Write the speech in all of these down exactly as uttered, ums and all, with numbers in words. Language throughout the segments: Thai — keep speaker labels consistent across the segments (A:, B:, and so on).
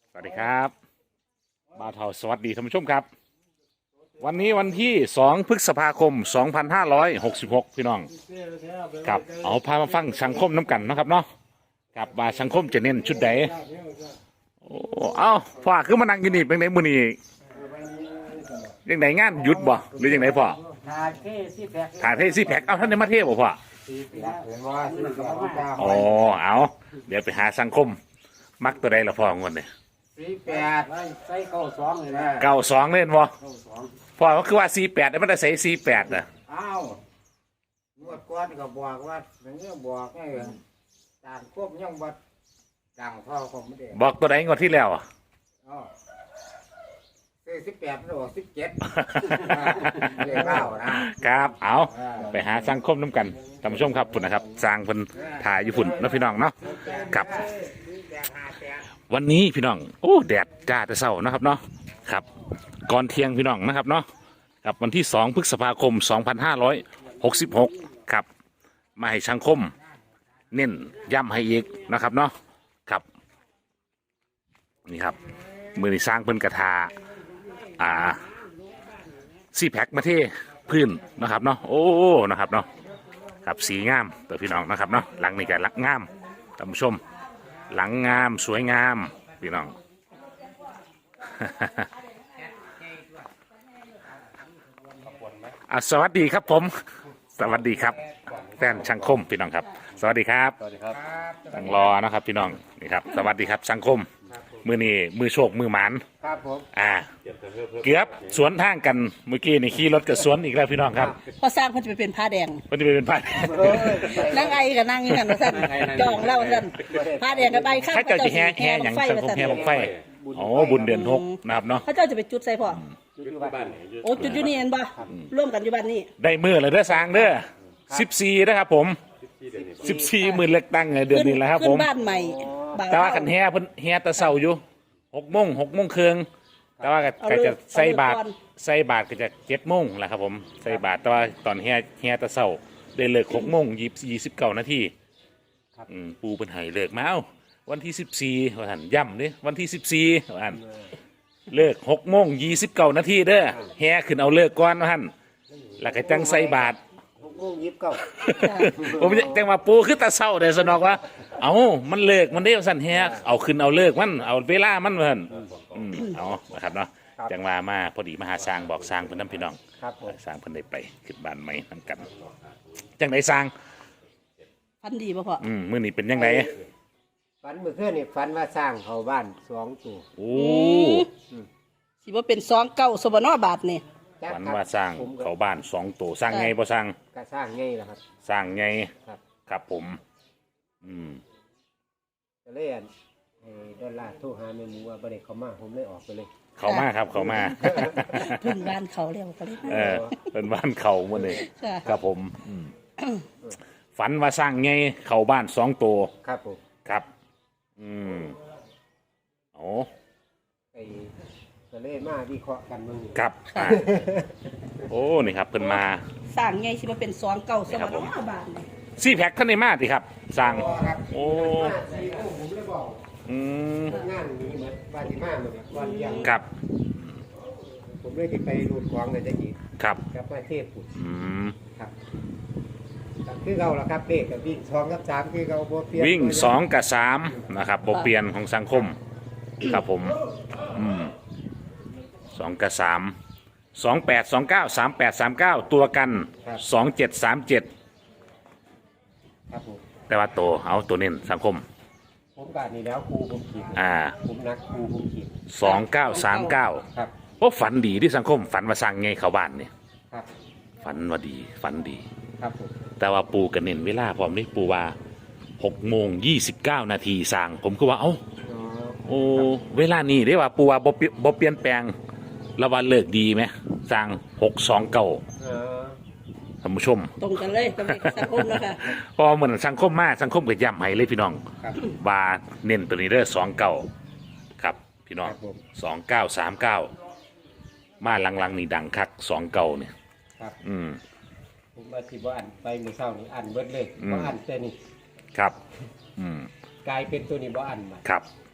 A: สวัสดีครับบ่าวเทาสวัสดีท่านผู้ชมครับวันนี้วันที่สองพฤษภาคมสองพันห้าร้อยหกสิบหกพี่น้องครับเอาพามาฟังสังคมน้ำกันนะครับเนาะครับว่าสังคมจะเน้นชุดใดโอ้เอ้าพ่อคือมานั่งอยู่นี่เป็นไงมื้อนี้ยังไงงานหยุดบ่หรือยังไงพ่อ
B: ถ่ายเทซี่แพ็ค
A: ถ่ายเทซี่แพ็คเอาท่านได้มาเทบ่พ่ออ๋อเอาเดี๋ยวไปหาสังคมมักตัวใดละพ่องวดเนี่ย
B: สี่แปดใส่เก้าสองเลยนะ
A: เก้าสองเล่นบ่พ่อก็คือว่าสี่แปดแต่ไม่ได้ใส่สี่แปดนะ
B: อ้าวงวดก้อนก็บอกว่าอย่างนี้บอกไงต่างควบยังบัดต่างพ่อของไม่ได้
A: บอกตัวไหนงวดที่แล้วอ่ะ
B: อ๋อสี่สิบแปดหรือสิบเจ็ดเรียกเล่านะครับ
A: เอาไปหาสังคมน้ำกันท่านผู้ชมครับฝุ่นนะครับสร้างฝุ่นถ่ายอยู่ฝุ่นนะพี่น้องเนาะกับวันนี้พี่น้องโอ้แดดจ้าแต่เศร้านะครับเนาะครับก่อนเที่ยงพี่น้องนะครับเนาะกับวันที่สองพฤษภาคมสองพันห้าร้อยหกสิบหกครับมาให้สังคมเน้นย้ำให้อีกนะครับเนาะครับนี่ครับมือนี่สร้างเพิ่นกระทาอ่าซีแพ็คมาเทพื้นนะครับเนาะโอ้นะครับเนาะครับสีงามตัวพี่น้องนะครับเนาะหลังนี่กันหลังงามท่านผู้ชมหลังงามสวยงามพี่น้อง อ่ะสวัสดีครับผมสวัสดีครับแฟนสังคมพี่น้องครับสวัสดีครับ
C: สวัสดีครับ
A: ตั้งรอนะครับพี่น้องนี่ครับสวัสดีครับสังคมมือนี่มือโชคมือหมาน
B: ครับผม
A: อ่าเกือบสวนทางกันเมื่อกี้นี่ขี่รถกับสวนอีกแล้วพี่น้องครับ
D: พอสร้างเพิ่นจะไปเป็นผ้าแดง
A: เพิ่นจะไปเป็นผ้า
D: นั่งไอกับนั่งอยู่กันว่าซั่นจองเล่าซั่นผ้าแดงกับใบข้าว
A: ถ้าเจ้าจะแห่แห่อย่างสังคมแห่บังไฟอ๋อบุญเดือนหกนะครับเนาะ
D: เขาเจ้าจะไปจุดใส่พ่อโอ้จุดอยู่นี่เห็นบ่ร่วมกันอยู่บ้านนี้
A: ได้มือเลยเด้อสร้างเด้อสิบสี่นะครับผมสิบสี่หมื่นเล็กตั้งเดือนนี้แหละครับผม
D: บ้านใหม่
A: แต่ว่าขันแห่เพิ่นแห่ตะเสาอยู่หกโมงหกโมงครึ่งแต่ว่าก็จะใส่บาทใส่บาทก็จะเจ็ดโมงแหละครับผมใส่บาทแต่ว่าตอนแห่แห่ตะเสาได้เลิกหกโมงยี่ยี่สิบเก้านาทีปูเป็นไห้เลิกมาเอ้าวันที่สิบสี่วันหันย่ำเนี่ยวันที่สิบสี่วันหันเลิกหกโมงยี่สิบเก้านาทีเด้อแห่ขึ้นเอาเลิกก่อนวันหันแล้วก็จังใส่บาท
B: หกโมงยี่สิบเก้า
A: ผมจังว่าปูคือตะเสาเด้อสนอกว่าเอามันเลิกมันได้สั่นแฮะเอาขึ้นเอาเลิกมันเอาเวลามันเพิ่นอืมเอานะครับเนาะจังว่ามาพอดีมาหาสร้างบอกสร้างเพิ่นนำพี่น้องสร้างเพิ่นได้ไปขึ้นบ้านใหม่นำกันจังได๋สร้าง
D: ฟันดีบ่พ่อ
A: อืมมื้อนี้เป็นจังได๋
B: ฝันเมื่อคืนนี่ฝันว่าสร้างเข้าบ้านสองตัว
A: โอ้
D: สิบ่เป็นสองเก้าสบนบาทนี่
A: ฝันว่าสร้างเข้าบ้านสองตัวสร้างไงบ่สร้าง
B: ก็สร้างไงล่ะครับ
A: สร้างไง
B: ครับ
A: ครับผมอืม
B: ก็เลยอันไอ้ดอลลาร์โทรหาแม่หมูว่าบ่ได้เข้ามาผมเลยออกไปเลย
A: เข้ามาครับเข้ามา
D: เพิ่นบ้านเขาแล้วก็เลย
A: เออเป็นบ้านเขาหมดเลยครับผมอืมฝันว่าสร้างไงเข้าบ้านสองตัว
B: ครับผม
A: ครับอืมโอ้
B: ไอ้ก็เลยมาวิเคราะห์กันมึง
A: ครับโอ้นี่ครับเพิ่นมา
D: สร้างไงสิบ่เป็นสองเก้าสบนบาทนี่
A: ซี่แพ็คท่านในมาสิครับสร้างโอ้
B: ผมเลยบอก
A: อืม
B: งานนี้เหมือนบาติมาเหมือนวันยัง
A: ครับ
B: ผมเลยจะไปรูดควางเลยจะกี่
A: ครับ
B: กับมาเทพปุต
A: อืม
B: ครับคือเราละครับเด็กกับวิ่งสองกับสามคือเราโบเปลี่ยน
A: วิ่งสองกับสามนะครับโบเปลี่ยนของสังคมครับผมอืมสองกับสามสองแปดสองเก้าสามแปดสามเก้าตัวกันสองเจ็ดสามเจ็ดแต่ว่าตัวเอาตัวเน้นสังคม
B: ผมกาดนี่แล้วครูผมขีด
A: อ่า
B: ผมนักครูผมขีด
A: สองเก้าสามเก้า
B: ครับ
A: โอ้ฝันดีที่สังคมฝันว่าสร้างไงเข้าบ้านเนี่ย
B: ครับ
A: ฝันว่าดีฝันดี
B: ครับผม
A: แต่ว่าปูกันเน้นเวลาพร้อมนี่ปูว่าหกโมงยี่สิบเก้านาทีสร้างผมก็ว่าเอ้าโอ้เวลานี้ได้ว่าปูว่าบ่บ่เปลี่ยนแปลงแล้วว่าเลิกดีไหมสร้างหกสองเก้าท่านผู้ชม
D: ตรงกันเลยกับสังคมนะคะ
A: พอเหมือนสังคมมากสังคมก็ย้ำให้เลยพี่น้องว่าเน้นตัวนี้เด้อสองเก้าครับพี่น้องสองเก้าสามเก้ามาหลังๆนี่ดังคักสองเก้าเนี่ยอืม
B: ผมมาที่บ้านไปเมื่อเช้านี่อันเบิดเลยบ้านแต่นี่
A: ครับอืม
B: กลายเป็นตัวนี้บ้านมา
A: ครับอ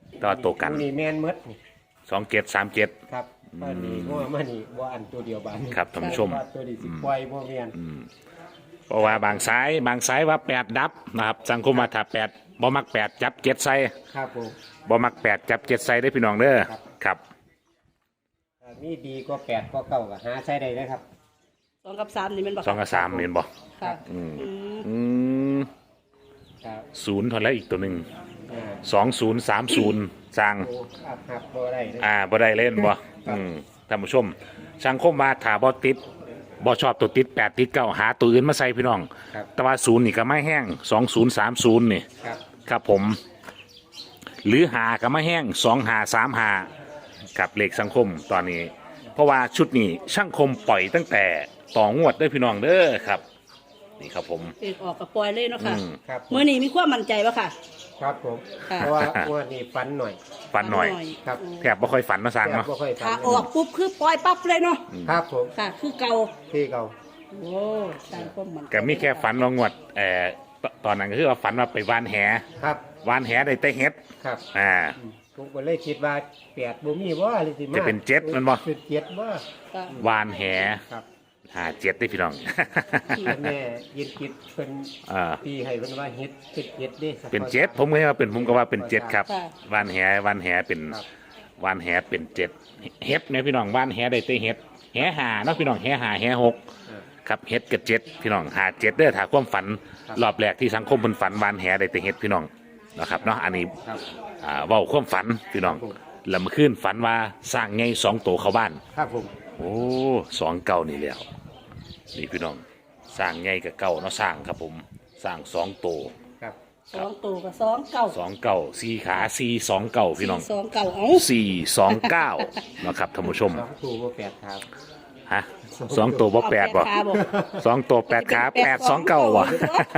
A: แตัวาตัวกัน
B: นี่แมนหมดนี่
A: สองเจ็ดสามเจ็ด
B: ครับอันนี้ว่ามันนี่ว่าอันตัวเดียวบาน
A: ครับท่านผู้ชม
B: ว่าตัวนี้สิปล่อยบ่แม่น
A: เพราะว่าบางสายบางสายว่าแปดดับนะครับสังคมมาถ้าแปดบ่มักแปดจับเจ็ดใส่
B: ครับผม
A: บ่มักแปดจับเจ็ดใส่ได้อพี่น้องเด้อ
B: ครับ
A: ครับ
B: ถ้ามีดีก็แปดก็เก้าก็หาใช้ได้เลยครับ
D: สองกับสามนี่มันบอก
A: สองกับสามเห็นบ่
D: ค่ะ
A: อืม
D: อืม
A: อืม
B: ครับ
A: ศูนย์เท่าแล้วอีกตัวหนึ่ง
B: อ่า
A: สองศูนย์สามศูนย์สร้าง
B: โอ้อับหับบ่ได้เลย
A: อ่าบ่ได้เล่นบ่อืมท่านผู้ชมสังคมมาถ้าบ่ติดบ่ชอบตัวติดแปดติดเก้าหาตัวอื่นมาใส่พี่น้อง
B: ครับ
A: แต่ว่าศูนย์นี่ก็ไม่แห้งสองศูนย์สามศูนย์นี่
B: ครับ
A: ครับผม หรือหาก็ไม่แห้งสองหาสามหากับเลขสังคมตอนนี้ เพราะว่าชุดนี้ช่างคมปล่อยตั้งแต่ต่องวดเด้อพี่น้องเด้อครับ นี่ครับผม
D: เอกออกกับปล่อยเลยเนาะค่ะ
A: อืม
B: ครับ
D: เมื่อนี้มีความมั่นใจปะค่ะ
B: ครับผม
D: ค่ะ
B: เพราะว่าว่านี่ฟันหน่อย
A: ฝันหน่อย
B: ครับ
A: แทบบ่ค่อยฝันมาสั่ง
B: แทบ
A: เนาะ
B: บ่ค่อยฟั
D: ถ้าน ออกปุ๊บคือปล่อยปั๊บเลยเนาะ
B: ครับผม
D: ค่ะ คือเก่า
B: ที่เก่า
D: โอ้ตามความมั่นใจ
A: ก็มีแค่ฝันลองงวดเอ่อตตอนนั้นก็คือว่าฝันว่าไปวานแห
B: ครับ
A: วานแหได้แต่เฮ็ด
B: ครับ
A: อ่า
B: ผมก็เลยคิดว่าแปดบ่มีว่าเลยสิมา
A: จะเป็นเจ็ดมันบ่
B: เป็นเจ็ดบ่
D: ค่ะ
A: วานแห
B: ครับ
A: หาเจ็ดได้อพี่น้อง
B: แม่ยินคิดเป็น
A: อ่า
B: ตีให้เพิ่นว่าเฮ็ดเป็นเจ็ดเด้
A: เป็นเจ็ดผมก็ว่าเป็นผมก็ว่าเป็นเจ็ดครับ
D: ค่ะ
A: วานแหวานแหเป็น
B: ครับ
A: วานแหเป็นเจ็ดเฮ็ดเนี่ยพี่น้องวานแหได้แต่เฮ็ดแหหาเนาะพี่น้องแหหาแหหก
B: อ่า
A: ครับเฮ็ดกับเจ็ดพี่น้องหาเจ็ดเด้อถ้าความฝัน
B: ครับ
A: รอบแรกที่สังคมเพิ่นฝันวานแหได้แต่เฮ็ดพี่น้องนะครับเนาะอันนี้
B: ครับ
A: อ่าเว้าความฝันพี่น้อง
B: ครับผม
A: แล้วเมื่อคืนฝันว่าสร้างไงสองโตเข้าบ้าน
B: ครับผม
A: โอ้สองเก่านี่แล้วนี่พี่น้องสร้างไงกับเก่าเนาะสร้างครับผมสร้างสองโต
B: ครับ
D: สองตัวกับสองเก่า
A: สองเก่าสี่ขาสี่สองเก่าพี่น้อง
D: สองเก่าเอา
A: สี่สองเก้านะครับท่านผู้ชม
B: สองตัวบ่แปดครับ
A: ฮะสองตัวบ่แปดบ่
D: เอาขาบอก
A: สองตัวแปดขาแปดสองเก้าบ่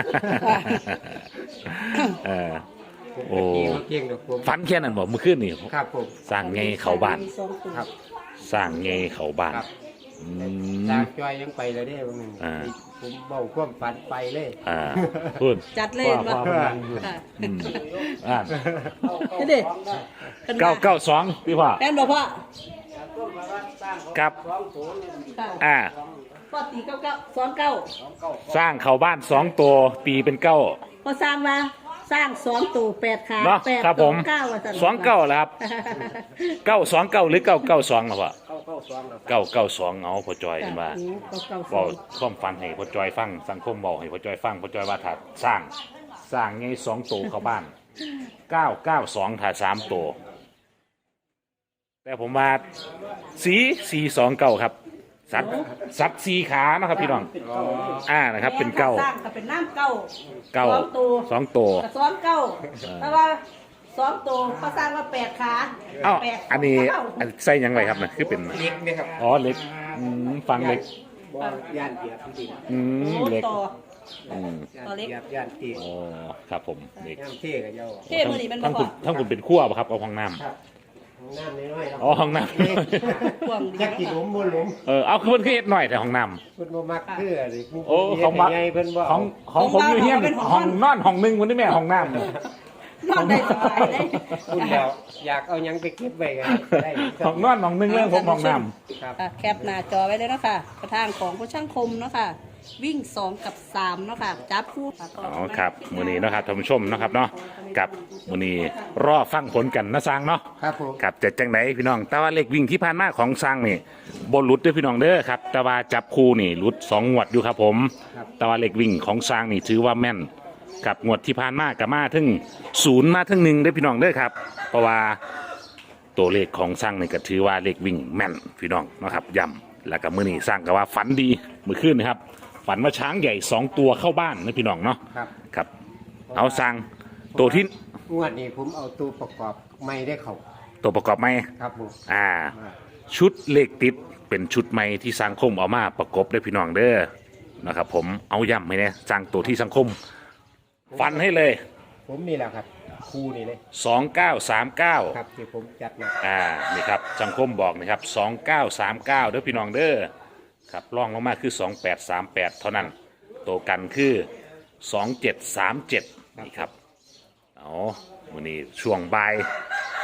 A: เออ
B: ผม
A: โอ้
B: ก็เก่งเก่งดอกผม
A: ฝันแค่นั้นบ่เมื่อคืนนี่
B: ครับผม
A: สร้างไงเข้าบ้าน
D: มีสองตัว
B: ครับ
A: สร้างไงเข้าบ้าน
B: ครับ
A: อื
B: จาม กจอยยังไปเลยเด้บางหนึง
A: อ่า
B: ผมเบาความฝันไปเลย
A: อ่าพูด
D: จัดเลย
A: ว่า
D: ว่า
A: ว่า
D: ค่ะ
A: อืมอ่า
D: นี่ดิ
A: เก้าเก้าสองพี่พ่อ
D: แม่นบอกพ่อ
A: ครับ
D: ค่ะ
A: อ่า
D: พ่อตีเก้าเก้าสองเก้า
A: สร้างเข้าบ้านสองตัวตีเป็นเก้า
D: พอสร้างมาสร้างสองตัวแปดขา
A: เนาะ
D: แปด
A: ครับผม
D: เก้าว่าซั่น
A: สองเก้าแล้วครับเก้าสองเก้าหรือเก้าเก้าสองหรอวะ
B: เข้าเข้าสองแล้ว
A: เก้าเก้าสองเอาพอจอยเห็นว่า
D: โอ้เก้าเก้าส
A: บอ
D: อก ง
A: ความฝันให้พอจอยฟังสังคมบอกให้พอจอยฟังพอจอยว่าถ้าสร้างสร้างไงสองตัวเข้าบ้านเก้าเก้าสองถ้าสามตัวแต่ผมว่าสีสีสองเก้าครับ สัตว์สัตว์สีขานะครับพี่น้องอ่านะครับ เป็นเก้า
D: สร้างก็เป็นน้ำเก้า
A: เก้า
D: สองตัว
A: สองตัว
D: กับสองเก้าแต่ว่าสองตัวก็สร้างว่าแปดขา
A: เอ้า
D: แปด
A: อันนี้
D: เก้า
A: อันใส่หยังไงครับนะคือเป็น
B: เล็กเนี่ยครับ
A: อ๋อเหล็กอืมฟังเหล็ก
B: บ่ย่านเกียบจริง
A: อืม
D: โอ้
A: เหล็ก
D: ต่อ
A: อืม
B: ๆย่าน
D: ตัวเล็ก
B: เกียบย่านเกียบ
A: อ๋อครับผมเหล็ก
B: ย่านเท่กับเจ้า
D: เท่มือนี้มัน
A: ทั้ง
D: บ่
A: คุณทั้งคุณเป็นขั้วป่ะครับเอาห้องน้
B: ครับห้องน้ำน้อยๆครับ
A: ำอ๋อห้องน้
D: กว้างดี
B: อยากกินหลุมบ่หลุม
A: ำเออเอาคือเพิ่นคือเฮ็ดหน่อยแต่ห้องน้
B: เพิ่นบ่มักคืออะไรผู้
A: โอ้ของมัก
B: ใหญ่เพิ่นบ่
A: ำของของผมอยู่เฮียนห้องนอนห้องหนึงวันนี้แม่ห้องน้ำเนี่ย
D: นอนได้สบายเลย
B: คุณแล้วอยากเอาหยังไปเก็บไว้กันได้
A: ห้องนอนห้องหนึงเรื่องผมห้องน้
B: ครับ
D: ค่ะแคปหน้าจอไว้เลยเนาะคะกระทางของผู้ช่างคมเนาะค่ะ วิ่งสองกับสามเนาะค่ะจับคู่ค่ะ
A: ำอ๋อครับมื้อนี้เนาะครับท่านผู้ชมเนาะครับเนาะกับมื้อนี้รอฟังผลกันนะสร้างเนาะ
B: ครับผม
A: ครับจะจังไหนพี่น้อง แต่ว่าเลขวิ่งที่ผ่านมาของสร้างนี่บนหลุดเด้วยพี่น้องเด้อครับ แต่ว่าจับคู่นี่หลุดสองงวดอยู่ครับผม แต่ว่าเลขวิ่งของสร้างนี่ถือว่าแม่นกับงวดที่ผ่านมากับมาถึงศูนย์มาถึงหนึ่งเด้อพี่น้องเด้อครับ เพราะว่าตัวเลขของสร้างนี่ก็ถือว่าเลขวิ่งแม่นพี่น้องนะครับย้ำแล้วก็มื้อนี้สร้างก็ว่าฝันดีเมื่อคืนนะครับ ฝันว่าช้างใหญ่สองตัวเข้าบ้านนะพี่น้องเนาะ
B: ครับ
A: ครับ เอาสร้างตัวที่
B: งวดนี้ผมเอาตัวประกอบไม่ได้เข้า
A: ตัวประกอบไหม
B: ครับผม
A: อ่า ชุดเลขติดเป็นชุดใหม่ที่สังคมเอามาประกบด้วยพี่น้องเด้อนะครับ ผมเอาย้ำให้เนี่ยสร้างตัวที่สังคม ฟันให้เลย
B: ผมนี่แหละครับครูนี่เลย
A: สองเก้าสามเก้า
B: ครับที่ผมจัดมา
A: อ่านี่ครับสังคมบอกนะครับสองเก้าสามเก้าเด้อพี่น้องเด้อครับล่องลงมาคือสองแปดสามแปดเท่านั้นตัวกันคือสองเจ็ดสามเจ็ดนี่ครับเอาวันนี้ช่วงบ่าย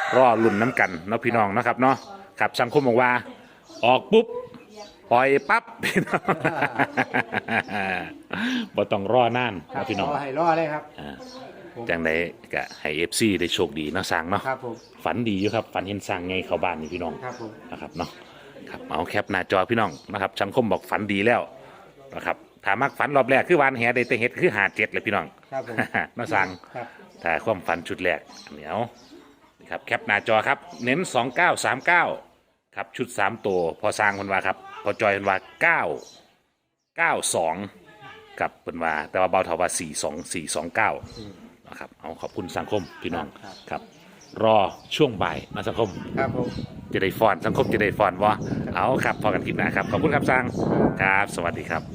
A: รอลุ่นน้ำกันเนาะพี่น้องนะครับเนาะครับสังคมบอกว่าออกปุ๊บปล่อยปั๊บ พี่น้องบ่ต้องรอนาน
B: ครับ
A: นะพี่น้อง
B: ขอให้รอเลยครับ
A: อ่าจังไดก็ให้เอฟซีได้โชคดีเนาะสร้างเนาะ
B: ครับผม
A: ฝันดีอยู่ครับฝันเห็นสร้างไงเข้าบ้านนี่พี่น้อง
B: ครับผม
A: นะครับเนาะครับเอาแคปหน้าจอพี่น้องนะครับสังคมบอกฝันดีแล้วนะครับถามักฝันรอบแรกคือวานแหได้แต่เห็ดคือหาเจ็ดเลยพี่น้อง
B: ครับผม
A: มาสั่ง
B: ครับ
A: ถ้าความฝันชุดแรกอันเนี้ยนี่ครับแคปหน้าจอครับเน้นสองเก้าสามเก้าครับชุดสามตัวพอสร้างคนว่าครับพอจอยคนว่าเก้าเก้าสองกับเป็นว่าแต่ว่าเบาเท่าว่าสี่สองสี่สองเก้านะครับเอาขอบคุณสังคมพี่น้องครับรอช่วงบ่ายนะสังคม
B: ครับผม
A: จะได้ฟอนสังคมจะได้ฟอนวะเอาครับพอกันคลิปหน้าครับ ขอบคุณครับสร้างครับ สวัสดีครับ